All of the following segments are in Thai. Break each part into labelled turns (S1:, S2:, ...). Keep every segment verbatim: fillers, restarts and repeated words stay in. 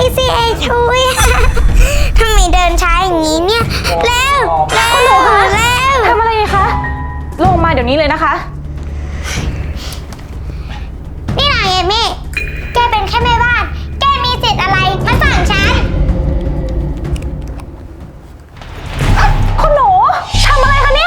S1: สิไอ้ทุยทำไมเดินช้าอย่างนี้เนี่ยเร็วเร็วเร็ว
S2: ทำอะไรคะลงมาเดี๋ยวนี้เลยนะคะ
S1: นี่นายเอมี่แกเป็นแค่แม่บ้านแกมีสิทธิ์อะไรมาสั่งฉัน
S2: คุณหนูทำอะไรคะเนี่ย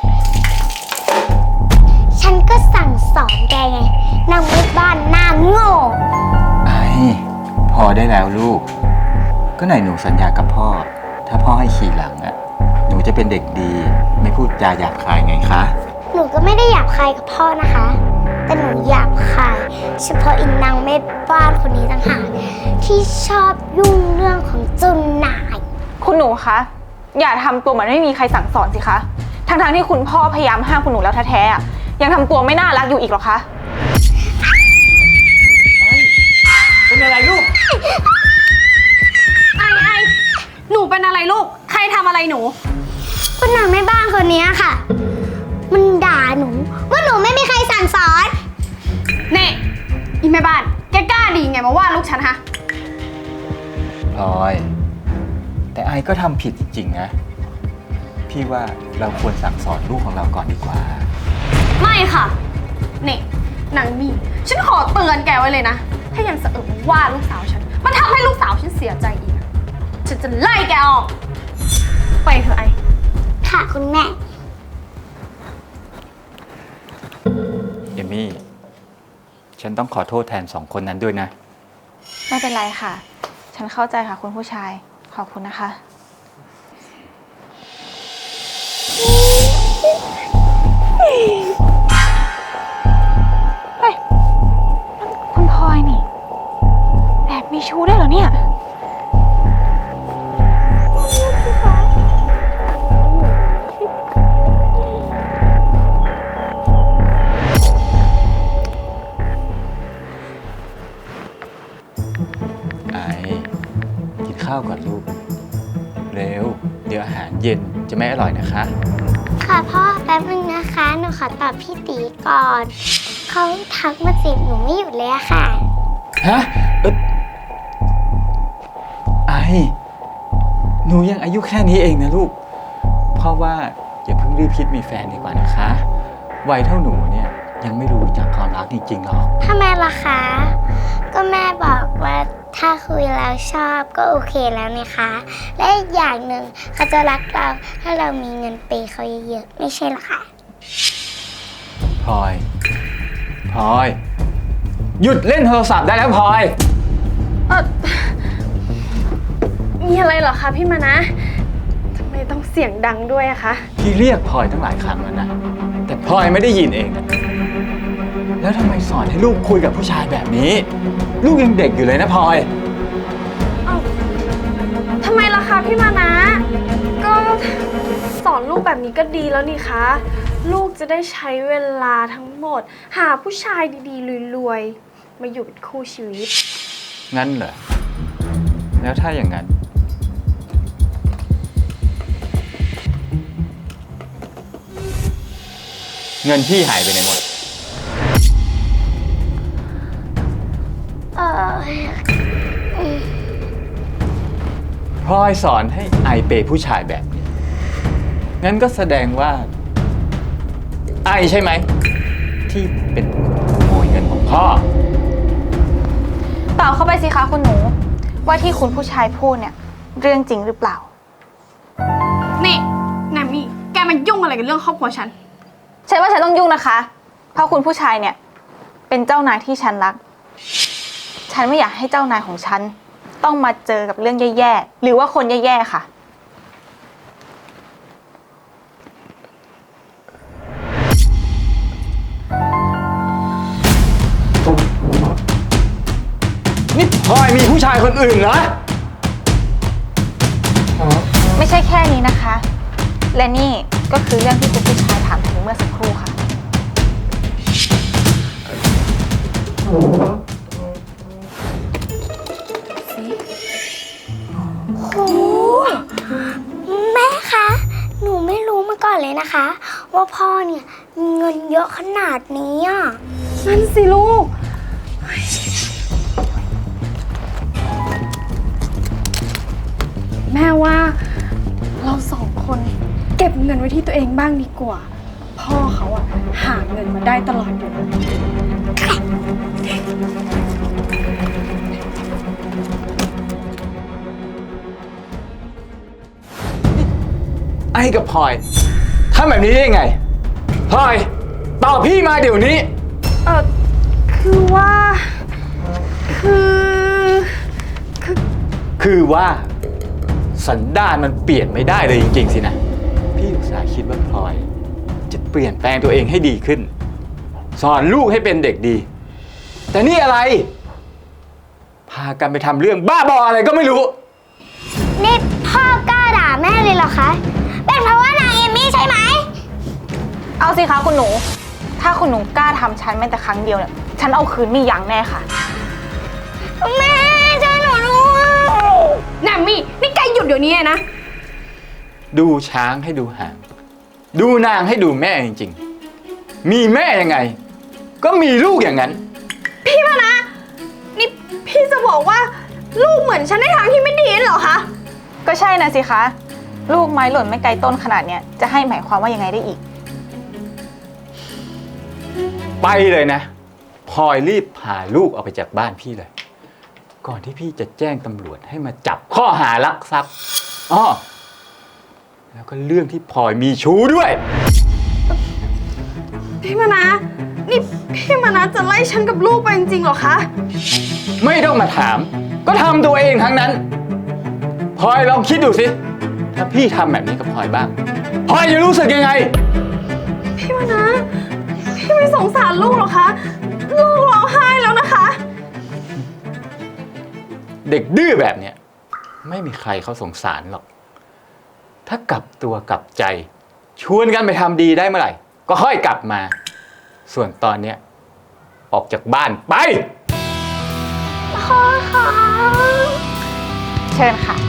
S1: ฉันก็สั่งสอนแกไงนางแม่บ้านหน้าโง่
S3: ไอ้พอได้แล้วลูก ก็ไหนหนูสัญญากับพ่อ ถ้าพ่อให้ขี่หลังอะหนูจะเป็นเด็กดี ไม่พูดจาหยาบคายไงคะ
S1: หนูก็ไม่ได้หยาบคายกับพ่อนะคะ แต่หนูหยาบคายเฉพาะอินนางแม่บ้านคนนี้ต่างหากที่ชอบยุ่งเรื่องของเจุนนาย
S2: คุณหนูคะอย่าทำตัวเหมือนไม่มีใครสั่งสอนสิคะทั้งๆที่คุณพ่อพยายามห้ามคุณหนูแล้วแท้ๆอะยังทำตัวไม่น่ารักอยู่อีกหรอคะ
S3: เป็นอะไรลูก
S4: ไอไอหนูเป็นอะไรลูกใครทำอะไรหนู
S1: ก็นางแม่บ้านคนนี้ค่ะ มันด่าหนูว่าหนูไม่มีใครสั่งสอน
S4: เน่อีแม่บ้านแกกล้าดีไงมาว่าลูกฉันฮะ
S3: พลอย แต่ไอ้ก็ทำผิดจริงๆนะ พี่ว่าเราควรสั่งสอนลูกของเราก่อนดีกว่า
S4: ไม่ค่ะเน่นางนี่ฉันขอเตือนแกไว้เลยนะถ้ายังสะอึกว่าลูกสาวฉันมันทำให้ลูกสาวฉันเสียใจอีกอะฉันจะไล่แกออกไปเถอะไอ
S1: ค่ะคุณแม่
S3: เอมี่ ฉันต้องขอโทษแทนสองคนนั้นด้วยนะ
S2: ไม่เป็นไรค่ะ ฉันเข้าใจค่ะคุณผู้ชายขอบคุณนะคะเฮ้ยคุณพลอยนี่แอบมีชู้ได้วยเหรอเนี่ย
S3: ไอ้กินข้าวก่อนลูก เร็ว เดี๋ยวอาหารเย็นจะไม่อร่อยนะคะ
S1: ค่ะพ่อแป๊บนึงนะคะหนูขอตอบพี่ตีก่อนเขาทักมาจีบหนูไม่หยุดเลยอะค่ะ
S3: ฮะเอ่อไอหนูยังอายุแค่นี้เองนะลูก เพราะว่าอย่าเพิ่งรีบคิดมีแฟนดีกว่านะคะ วัยเท่าหนูเนี่ยยังไม่รู้จักความรักจริงๆหรอก
S1: ทำไมล่ะคะ ก็แม่บอกว่าถ้าคุยแล้วชอบก็โอเคแล้วนี่คะ และอีกอย่างหนึ่งเขาจะรักเราถ้าเรามีเงินเปย์เขาเยอะๆไม่ใช่หรอคะ
S3: พลอยพลอย หยุดเล่นโทรศัพท์ได้แล้วพลอย
S4: เออมีอะไรเหรอคะพี่มานะทำไมต้องเสียงดังด้วยอะคะ
S3: พี่เรียกพลอยตั้งหลายครั้งแล้วนะ แต่พลอยไม่ได้ยินเอง แล้วทำไมสอนให้ลูกคุยกับผู้ชายแบบนี้ ลูกยังเด็กอยู่เลยนะพลอย
S4: เอ้าทำไมล่ะคะพี่มานะ ก็สอนลูกแบบนี้ก็ดีแล้วนี่คะ ลูกจะได้ใช้เวลาทั้งหมด หาผู้ชายดีๆรวยๆมาอยู่เป็นคู่ชีวิต
S3: งั้นเหรอ แล้วถ้าอย่างนั้น เงินพี่หายไปไหนหมด
S1: เออ
S3: พลอยสอนให้ไอเปย์ผู้ชายแบบนี้ งั้นก็แสดงว่า ไอใช่ไหม ที่เป็นขโมยเงินของพ่อ
S2: ตอบเข้าไปสิคะคุณหนูว่าที่คุณผู้ชายพูดเนี่ยเรื่องจริงหรือเปล่า
S4: นี่แนมมี่แกมันยุ่งอะไรกับเรื่องครอบครัวฉัน
S2: ฉันว่าฉันต้องยุ่งนะคะ เพราะคุณผู้ชายเนี่ยเป็นเจ้านายที่ฉันรัก ฉันไม่อยากให้เจ้านายของฉันต้องมาเจอกับเรื่องแย่ๆหรือว่าคนแย่ๆค่ะ
S3: นี่พลอยมีผู้ชายคนอื่นเหรอ
S2: ไม่ใช่แค่นี้นะคะ และนี่ก็คือเรื่องที่คุณผู้ชายถามถึงเมื่อสักครู่ค่ะ
S1: โหแม่คะ หนูไม่รู้มาก่อนเลยนะคะ ว่าพ่อเนี่ยมีเงินเยอะขนาดนี้อ่ะ
S4: นั่นสิลูกแม่ว่าเราสองคนเก็บเงินไว้ที่ตัวเองบ้างดีกว่า พ่อเขาอะหาเงินมาได้ตลอดอยู่แล้ว
S3: ไอ้กับพลอยทำแบบนี้ได้ยังไงพลอยตอบพี่มาเดี๋ยวนี้
S4: เออคือว่า คือ คือ
S3: คือว่าสันดานมันเปลี่ยนไม่ได้เลยจริงๆสินะ พี่อุตส่าห์คิดว่าพลอย จะเปลี่ยนแปลงตัวเองให้ดีขึ้น สอนลูกให้เป็นเด็กดี แต่นี่อะไร พากันไปทำเรื่องบ้าบออะไรก็ไม่รู้
S1: นี่พ่อกล้าด่าแม่เลยเหรอคะ เป็นเพราะว่านางเอมี่ใช่ไหม
S2: เอาสิคะคุณหนู ถ้าคุณหนูกล้าทำฉันแม้แต่ครั้งเดียวเนี่ย ฉันเอาคืนไม่ยั้งแน่ค่ะ
S1: แม่ช่วยหนูด้วย
S4: แนมมี่ นี่แกหยุดเดี๋ยวนี้เลยนะ
S3: ดูช้างให้ดูหาง ดูนางให้ดูแม่จริงๆ มีแม่ยังไง ก็มีลูกอย่างนั้น
S4: พี่มานะ นี่พี่จะบอกว่าลูกเหมือนฉันในทางที่ไม่ดีนั่นเหรอคะ
S2: ก็ใช่นะสิคะ ลูกไม้หล่นไม่ไกลต้นขนาดเนี้ยจะให้หมายความว่ายังไงได้อีก
S3: ไปเลยนะพลอยรีบพาลูกออกไปจากบ้านพี่เลย ก่อนที่พี่จะแจ้งตำรวจให้มาจับข้อหารักทรัพย์อ้อแล้วก็เรื่องที่พลอยมีชู้ด้วย
S4: พี่มานะ นี่พี่มานะจะไล่ฉันกับลูกไปจริงๆเหรอคะ
S3: ไม่ต้องมาถาม ก็ทำตัวเองทั้งนั้นพลอยลองคิดดูสิ ถ้าพี่ทำแบบนี้กับพลอยบ้างพลอยจะรู้สึกยังไง
S4: พี่มานะ พี่ไม่สงสารลูกเหรอคะ ลูกร้องไห้แล้วนะคะ
S3: เด็กดื้อแบบเนี้ยไม่มีใครเขาสงสารหรอก ถ้ากลับตัวกลับใจ ชวนกันไปทำดีได้เมื่อไหร่ ก็ค่อยกลับมา ส่วนตอนเนี้ยออกจากบ้านไป
S1: พ่อคะ
S2: เชิญค่ะ